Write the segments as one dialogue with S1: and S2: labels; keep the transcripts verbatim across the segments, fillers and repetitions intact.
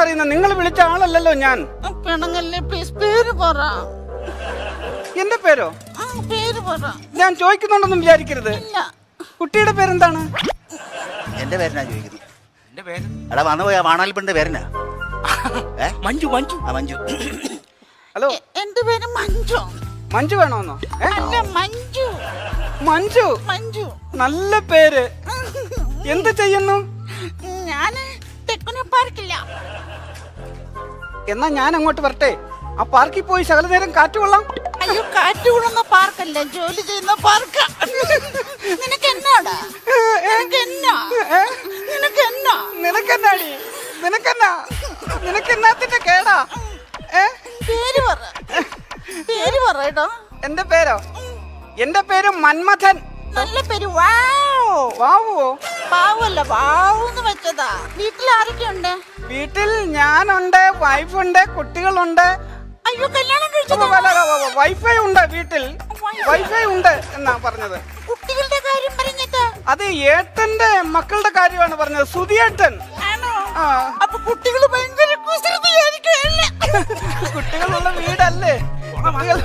S1: പറയുന്നത്? നിങ്ങൾ വിളിച്ച ആളല്ലല്ലോ ഞാൻ.
S2: പെണങ്ങല്ലേ പ്ലീസ്, പേര് പറ.
S1: എന്റെ പേരോ?
S2: പേര് പറ.
S1: ഞാൻ ചോദിക്കുന്നുണ്ടെന്നും വിചാരിക്കരുത്. കുട്ടിയുടെ പേരെന്താണ്?
S3: എന്റെ പേരെന്നാ ചോദിക്കുന്നത്? എന്റെ പേര് എടാ വന്നു പോയാ വാണാൽപ്പിന്റെ പേരെന്നാ?
S4: മഞ്ജു. മഞ്ജു
S3: ആ മഞ്ജു.
S1: ഹലോ,
S2: എന്റെ പേര് മഞ്ജു.
S1: മഞ്ജു വേണോന്നോ?
S2: അല്ല, മഞ്ജു.
S1: മഞ്ജു
S2: മഞ്ജു
S1: നല്ല പേര്. എന്ത് ചെയ്യുന്നു?
S2: ഞാന് തെക്കുനെ പാർക്കില്ല.
S1: എന്നാ ഞാൻ അങ്ങോട്ട് വരട്ടെ? ആ പാർക്കിൽ പോയി ശകല നേരം കാറ്റ് കൊള്ളാം.
S2: അയ്യോ, കാറ്റ് കൊള്ളുന്ന പാർക്കല്ല, ജോലി ചെയ്യുന്ന പാർക്ക. നിനക്ക് എന്നാടാ? നിനക്ക് എന്നാ? നിനക്ക് എന്നാ?
S1: നിനക്കെന്നാടി? നിനക്കെന്നാ? നിനക്കെന്നാത്തിന്റെ കേടാ?
S2: പേര് പറ. പേര് പറയട്ടോ.
S1: എന്റെ പേരോ? എന്റെ പേര് മന്മഥൻ.
S2: നല്ല പേര്. വാവ്.
S1: വാവുവോ?
S2: വാവല്ല, വാവൂന്ന് വെച്ചതാ. വീട്ടിൽ ആരൊക്കെ ഉണ്ട്?
S1: വീട്ടിൽ ഞാനുണ്ട്, വൈഫുണ്ട്, കുട്ടികളുണ്ട്.
S2: അയ്യോ, കല്യാണം കഴിച്ചത്?
S1: വൈഫൈ ഉണ്ട് വീട്ടിൽ. വൈഫൈ ഉണ്ട് എന്നാ പറഞ്ഞത്.
S2: കുട്ടികളുടെ കാര്യം പറഞ്ഞിട്ട്?
S1: അത് ഏട്ടന്റെ മക്കളുടെ കാര്യമാണ് പറഞ്ഞത്. സുധിയേട്ടൻ.
S2: ആണോ?
S1: ആ,
S2: അപ്പൊ കുട്ടികള് ഭയങ്കര കുസൃതിയായിരിക്കുമല്ലേ?
S1: കുട്ടികളുള്ള വീടല്ലേ? കുട്ടികൾ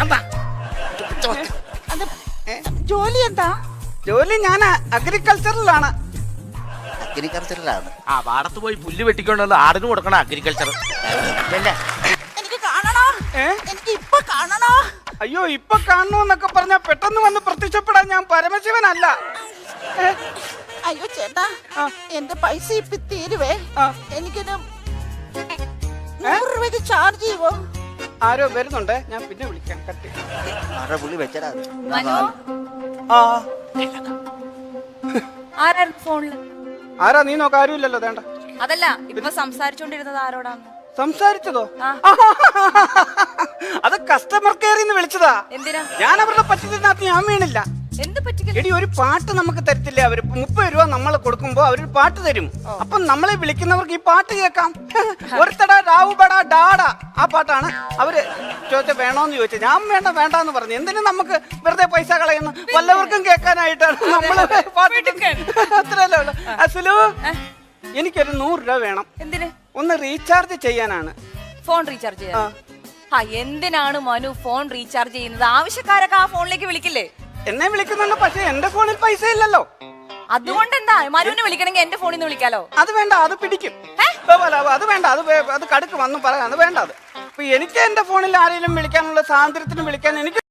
S2: അത് ജോലി എന്താ?
S1: ജോലി ഞാൻ അഗ്രികൾച്ചറിലാണ്.
S3: അഗ്രികൾച്ചറിലാണ്.
S4: ആ പാടത്ത് പോയി പുല്ല് വെട്ടിക്കൊണ്ടുവന്ന് ആടിന് കൊടുക്കണം അഗ്രികൾച്ചർ.
S2: എനിക്ക് കാണണോ? എനിക്ക് ഇപ്പൊ കാണണോ?
S1: അയ്യോ, ഇപ്പൊ കാണണമെന്നൊക്കെ പറഞ്ഞാ പെട്ടെന്ന് വന്ന് പ്രത്യക്ഷപ്പെടാൻ ഞാൻ പരമശിവനല്ല.
S2: അയ്യോ ചേട്ടാ, എന്റെ പൈസ ഇപ്പൊ തീരുവേ. എനിക്കൊരു നൂറ് രൂപയ്ക്ക് ചാർജ് ചെയ്യുവോ?
S1: ആരോ വരുന്നുണ്ട്, ഞാൻ പിന്നെ വിളിക്കാം. കട്ടി
S3: ആരുടെ പുള്ളി വെച്ചടാ?
S1: ആ,
S5: ആരായിരുന്നു ഫോണില്?
S1: ആരാ നീ നോക്ക? ആരുമില്ലല്ലോ. വേണ്ട.
S5: അതല്ല, ഇപ്പൊ സംസാരിച്ചോണ്ടിരുന്നത് ആരോടാന്ന്?
S1: സംസാരിച്ചതോ? അത് കസ്റ്റമർ കെയറിൽ നിന്ന് വിളിച്ചതാ.
S5: എന്തിനാ?
S1: ഞാൻ അവരുടെ പറ്റത്തിനകത്ത് ഞാൻ വീണില്ല.
S5: എന്ത് പറ്റിക്കൽ?
S1: എടി, ഒരു പാട്ട് നമുക്ക് തരത്തില്ലേ അവര്? മുപ്പത് രൂപ നമ്മൾ കൊടുക്കുമ്പോ അവരൊരു പാട്ട് തരും. അപ്പൊ നമ്മളെ വിളിക്കുന്നവർക്ക് ഈ പാട്ട് കേൾക്കാം. ഒരുത്തടാ രാവുബടാ ഡാടാ, ആ പാട്ടാണ് അവര് ചോദിച്ച വേണോന്ന് ചോദിച്ചത്. ഞാൻ വേണ്ട വേണ്ടെന്ന് പറഞ്ഞു. എന്തിനു നമുക്ക് വെറുതെ പൈസ കളയുന്നു? വല്ലവർക്കും കേൾക്കാനായിട്ടാണ് നമ്മള് പാട്ട്. അത്രയല്ലേ ഉള്ളു. അസുലു, എനിക്കൊരു നൂറ് രൂപ വേണം.
S5: എന്തിന്?
S1: ഒന്ന് റീചാർജ് ചെയ്യാനാണ്.
S5: ഫോൺ റീചാർജ് ചെയ്യാൻ? ആ, എന്തിനാണ് മനു ഫോൺ റീചാർജ് ചെയ്യുന്നത്? ആവശ്യക്കാരൊക്കെ ആ ഫോണിലേക്ക് വിളിക്കില്ലേ?
S1: എന്നെ വിളിക്കുന്നുണ്ട്, പക്ഷെ എന്റെ ഫോണിൽ പൈസ ഇല്ലല്ലോ.
S5: അതുകൊണ്ട് എന്താ മനുവിനെ വിളിക്കണമെങ്കിൽ എന്റെ ഫോണിൽ നിന്ന് വിളിക്കാലോ?
S1: അത് വേണ്ട, അത് പിടിക്കും. അത് വേണ്ട, അത് അത് കടുക്ക് വന്നു പറയാം. അത് വേണ്ട. അത് ഇപ്പൊ എനിക്ക് എന്റെ ഫോണിൽ ആരെങ്കിലും വിളിക്കാനുള്ള സ്വാതന്ത്ര്യത്തിന് വിളിക്കാൻ എനിക്ക്